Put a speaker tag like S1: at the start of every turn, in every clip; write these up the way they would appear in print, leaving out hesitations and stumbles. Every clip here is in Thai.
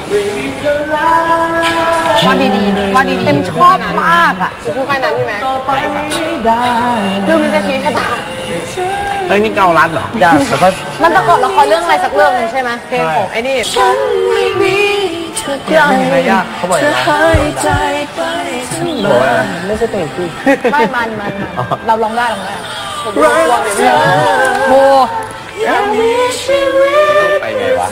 S1: ว่าดีๆว่าดีเต็มชอบมากอ่ะพูดแค่นั้นใช่ไหมเรื่องนี้จะชีวิตชะตา
S2: เฮ้ยนี่เกาลัดเหรอจ้าแล้วก็
S1: มันประกอบละครเรื่องอะไรสักเรื่องนึงใช่ไหมเพลงของไอ้นี่
S2: อะไรยากเขาบอกอย่างไรบอกว่าไม่ใช่เพลงพี่
S1: ไม่มันเราลองได้โม
S2: ไปไงวะ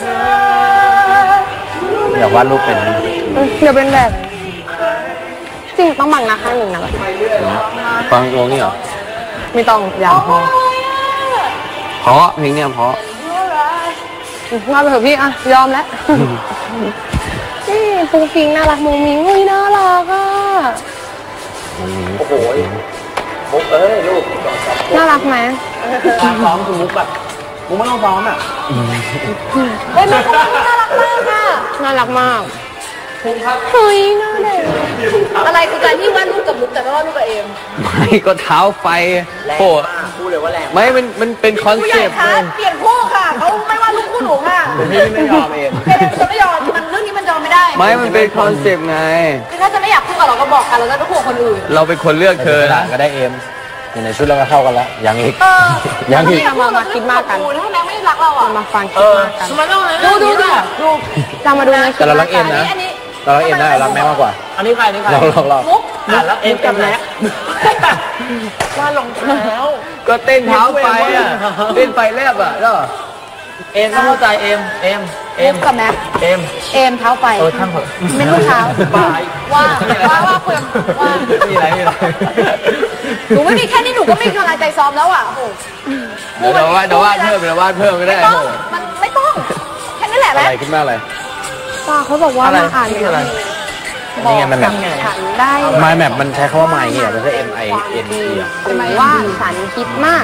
S2: อยากวาดรูปเป็น
S1: เดี๋ยวเป็นแบบจริงต้องบังนะข้างหนึ่งนะ
S2: ฟังวงนี่เหรอ
S1: ไม่ต้องอย่าง
S2: เพราะเพลงเนี้ยเพราะ
S1: มาไปเถอะพี่อะยอมแล้วนี่ปุ้งปิงน่ารักมุ้งมิ้งอุ้ยน่ารักอ่ะ
S2: โอ้โหมุกลูก
S1: น่ารักไหม
S2: ซ้อมคือมุกแบบมุกไม่ต้องซ้อมอ่ะ
S1: เฮ้ยมุกน่ารักมากค่ะน่ารักมากเฮ้ยน่าเด็กอะไรคือการที่วาดรูปกับมุกแต่ไม่วาดรูปกับเอม
S2: ไม่ก็เท้าไฟโอ้พูดเลยว่าแรงไม่มันเป็นคอนเซ็ปต์
S1: เปลี่ยนคู่ค่ะเขาไม่วาดรูปคู่หนูค่ะ
S2: ไม่ยอมเอง
S1: จะไม่ยอมมันเรื่องนี้มันยอมไม่ได้
S2: ไม่มันเป็นคอนเซ็ปต์ไง
S1: ถ้าจะไม่อยากคู่กับเราก็บอกกันเราจะไม่คู่กับคนอื่น
S2: เราเป็นคนเลือกเธอนะก็ได้เอมอยู่ในชุดเราก็เข้ากันแล้วยังอีก
S1: ยังอีกมาคิดมากกันถ้าแม็กไม่รักเราอ่ะมาฟังคิดมากกันดูจะมาดูใน
S2: แต่เรารักเอมนะเรารักเอมนะรักแม็กมากกว่า
S3: อันนี้ใครนี่ใคร
S2: เรา
S3: มุกแล้วเอมกับแม็กว่าลงเท้า
S2: ก็เต้นเท้าไฟอ่ะเต้นไฟแลบอ่ะแล้ว
S3: เอมต้องเข้าใจเอม
S1: กับแม็ก
S3: เอม
S1: เท้าไฟ
S3: ช่างเถอะ
S1: ไม่รู้เท้าว่าคุยว่า
S2: มีอะไร
S1: หนูไม่มีแค่นี้หนูก็ไม่มีกำลังใจซ้อมแล้วอ่ะ
S2: เดี๋ยววาดเพิ่มไม่ได้
S1: มันไม่ต้องแค่นั้นแหละ
S2: อะไรขึ้นมาอะไร
S1: ป้าเขาบอกว่ามาอ่าน
S2: อะไรนี่ไงมันแบบ
S1: ฉันได้
S2: My Map มันใช้คำว่า My เนี่ยไม่ใช่ MINE
S1: ว่าฉันคิดมาก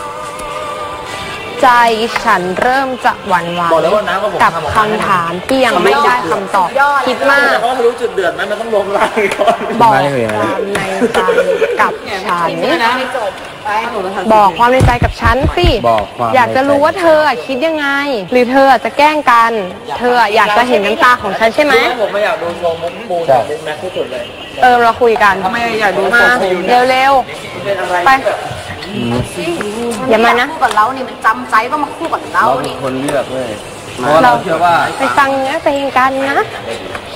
S1: ใจฉันเริ่มจะหวั่นไหวกับคำถามที่ยังไม่ได้คำตอบคิดมาก
S3: เขาไม่รู้จุดเดือดไหมมันต้องลงล่างก่อน
S1: บอกความในใจกับฉันบอกความในใจกับฉันสิอยากจะรู้ว่าเธอคิดยังไงหรือเธอจะแกล้งกันเธออยากจะเห็นน้ำตาของฉันใช่ไหม
S3: ผมไม่อยากดูโชว์มุกปูแต่มุกแม็กที่สุดเลย
S1: เราคุยกัน
S3: ทำไมอยากดู
S1: มาเร็วๆไปอย่ามานะคู่กับเรานี่มันจำใจต้องมาคู่กับเรา
S2: นี่คนเลือกเลยเพราะเราเชื่อว่า
S1: ไปฟังเนื้อเพลงกันนะ